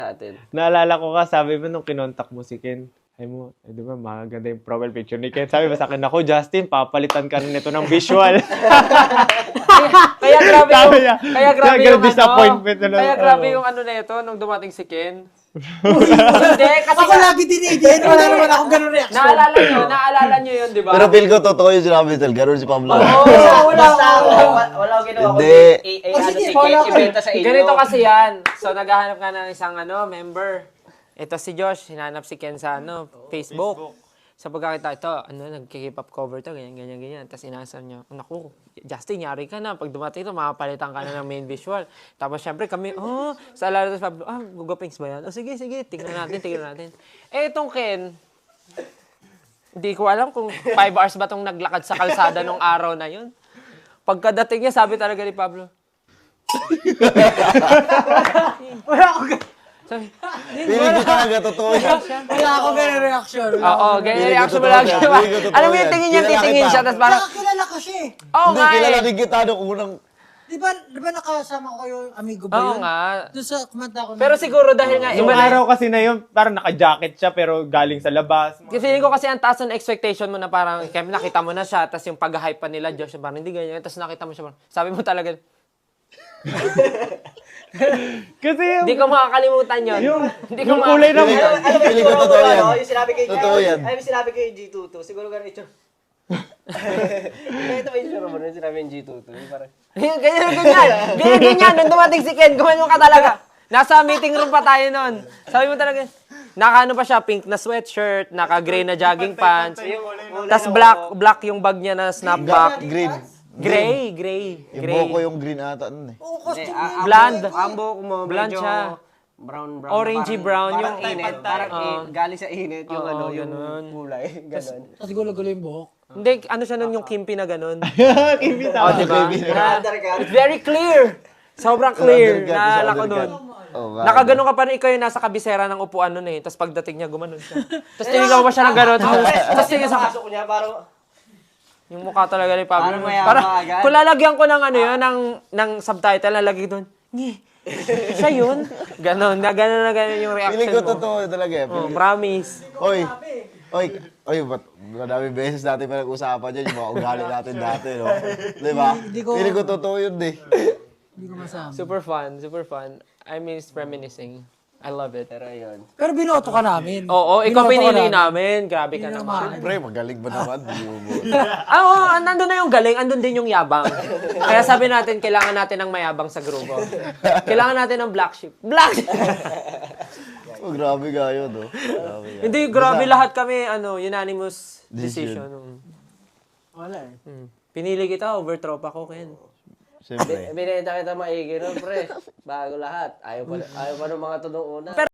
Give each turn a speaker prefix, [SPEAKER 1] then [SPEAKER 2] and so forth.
[SPEAKER 1] natin.
[SPEAKER 2] Naalala ko ka, sabi mo nung kinontak mo si Ken, ay mo, di ba, maganda yung profile picture ni Ken. Sabi mo sa akin, ako, Justin, papalitan ka rin ito ng visual.
[SPEAKER 3] Kaya grabe
[SPEAKER 2] Sabi
[SPEAKER 3] yung,
[SPEAKER 2] niya,
[SPEAKER 3] kaya grabe yung
[SPEAKER 2] disappointment
[SPEAKER 3] ano, kaya grabe yung ano na ito nung dumating si Ken. Hindi, kasi
[SPEAKER 4] Ako lagi dinidin, wala naman akong ganun reaction.
[SPEAKER 3] naalala nyo yun, di ba?
[SPEAKER 5] Pero feel ko totoo yung sinabi ni Tel. Ganun si Pablo.
[SPEAKER 1] Wala akong ginawa ko.
[SPEAKER 5] Hindi.
[SPEAKER 1] Si Ken, ibenta sa inyo.
[SPEAKER 3] Ganito kasi yan. So, naghahanap ka ng isang member. Ito si Josh, hinanap si Ken sa Facebook. Sa pagkakita, ito, nagkikip up cover to, ganyan. Tapos inaasar niya, naku, Justin, yari ka na. Pag dumating ito, makapalitan ka na ng main visual. Tapos syempre kami, sa alala sa Pablo, gugupings ba yan? Sige, tingnan natin. Eh, itong Ken, hindi ko alam kung 5 hours ba itong naglakad sa kalsada nung araw na yun. Pagkadating niya, sabi talaga ni Pablo, wala akong
[SPEAKER 5] Feeling ko talaga totoo yan.
[SPEAKER 4] Wala akong ganun reaction.
[SPEAKER 3] Oo, ganyan reaction mo lagi. Alam mo yung tingin niya, titingin siya, tapos parang,
[SPEAKER 4] Nakakilala ko siya eh.
[SPEAKER 3] oo
[SPEAKER 5] Hindi,
[SPEAKER 3] nga
[SPEAKER 5] kilala
[SPEAKER 3] eh.
[SPEAKER 5] din kita nung unang...
[SPEAKER 4] Di ba nakasama ko yung amigo ba
[SPEAKER 3] Oo
[SPEAKER 4] yun?
[SPEAKER 3] nga.
[SPEAKER 4] Doon sa kumanta ko.
[SPEAKER 3] Pero siguro dahil nga,
[SPEAKER 2] Yung
[SPEAKER 3] iba na
[SPEAKER 2] araw kasi na yun, parang naka-jacket siya, pero galing sa labas.
[SPEAKER 3] feeling ko kasi ang taas ng expectation mo na parang, kaya nakita mo na siya, tapos yung pag-hype pa nila, Josh, parang hindi ganyan, tapos nakita mo siya, parang, sabi mo talaga,
[SPEAKER 2] Kasi yung,
[SPEAKER 3] hindi ko makakalimutan yun. Hindi ko
[SPEAKER 2] yung kulay ng...
[SPEAKER 5] Feeling ko totoo yan.
[SPEAKER 1] Yung sinabi kay
[SPEAKER 5] Totoo yan.
[SPEAKER 1] Ay, yung sinabi kay G22. Siguro ganun ito. Ito ba yung sinabi mo? Yung sinabi yung G22. Parang...
[SPEAKER 3] Ganyan. Nung dumating si Ken, gumanyo ka talaga. Nasa meeting room pa tayo nun. Sabi mo talaga, naka pa siya, pink na sweatshirt, naka-gray na jogging pants, tas black yung bag niya na snapback.
[SPEAKER 5] Green.
[SPEAKER 3] Gray.
[SPEAKER 5] Yung buhok ko yung green ata nun eh.
[SPEAKER 4] Oo, costume.
[SPEAKER 3] Blonde.
[SPEAKER 1] Ambo ko mo,
[SPEAKER 3] Blonde
[SPEAKER 1] medyo
[SPEAKER 3] siya.
[SPEAKER 1] brown.
[SPEAKER 3] Orangey brown
[SPEAKER 1] Parang
[SPEAKER 3] yung
[SPEAKER 1] init. Parang galing sa init yung yung
[SPEAKER 3] ganun.
[SPEAKER 1] kulay. Ganun.
[SPEAKER 4] Tapos gulo-gulo yung buhok.
[SPEAKER 3] Hindi, ano siya nun yung kimpi na ganun.
[SPEAKER 2] Kimpi
[SPEAKER 3] Oh, di ba? It's very clear. Sobrang clear. Naalala ko nun. Nakaganon ka pa rin, ikaw yung nasa kabisera ng upuan nun eh. Tapos pagdating niya, gumanon siya. Tapos tinignan mo pa siya ng ganon. Tapos tingin sa...
[SPEAKER 1] Pasok niya, parang...
[SPEAKER 3] Yung mukha talaga ni Pablo.
[SPEAKER 1] Parang mayabang
[SPEAKER 3] Parang,
[SPEAKER 1] agad.
[SPEAKER 3] kung lalagyan ko ng ng subtitle, lalagay doon, siya yun? Ganon na ganon yung reaction
[SPEAKER 5] Feeling ko
[SPEAKER 3] mo.
[SPEAKER 5] totoo talaga eh.
[SPEAKER 3] Oh, promise.
[SPEAKER 5] Oy, ba't madami beses natin pinag-usapan dyan yung mga ugali natin dati, no? Di ba? Feeling ko totoo yun eh.
[SPEAKER 4] Hindi ko masama.
[SPEAKER 3] Super fun. I miss reminiscing. I love it.
[SPEAKER 1] Pero yun.
[SPEAKER 4] Pero binoto ka namin.
[SPEAKER 3] Oo, ikaw
[SPEAKER 4] Binoto ka
[SPEAKER 3] pinili namin. Grabe ka
[SPEAKER 4] Hindi
[SPEAKER 3] naman.
[SPEAKER 5] Siyempre, magaling ba naman? Hindi mo mo.
[SPEAKER 3] Oo, nandun na yung galing, andun din yung yabang. Kaya sabi natin, kailangan natin ng mayabang sa grupo. Kailangan natin ng black sheep. Black sheep!
[SPEAKER 5] Oh, grabe nga yun, no? Grabe nga.
[SPEAKER 3] Hindi, grabe lahat kami, unanimous decision.
[SPEAKER 4] Wala eh.
[SPEAKER 3] Pinili kita over tropa ko, Ken.
[SPEAKER 5] Siyempre.
[SPEAKER 1] Binenta kita maigi nun, pre. Bago lahat. Ayaw pa ng mga to nung una.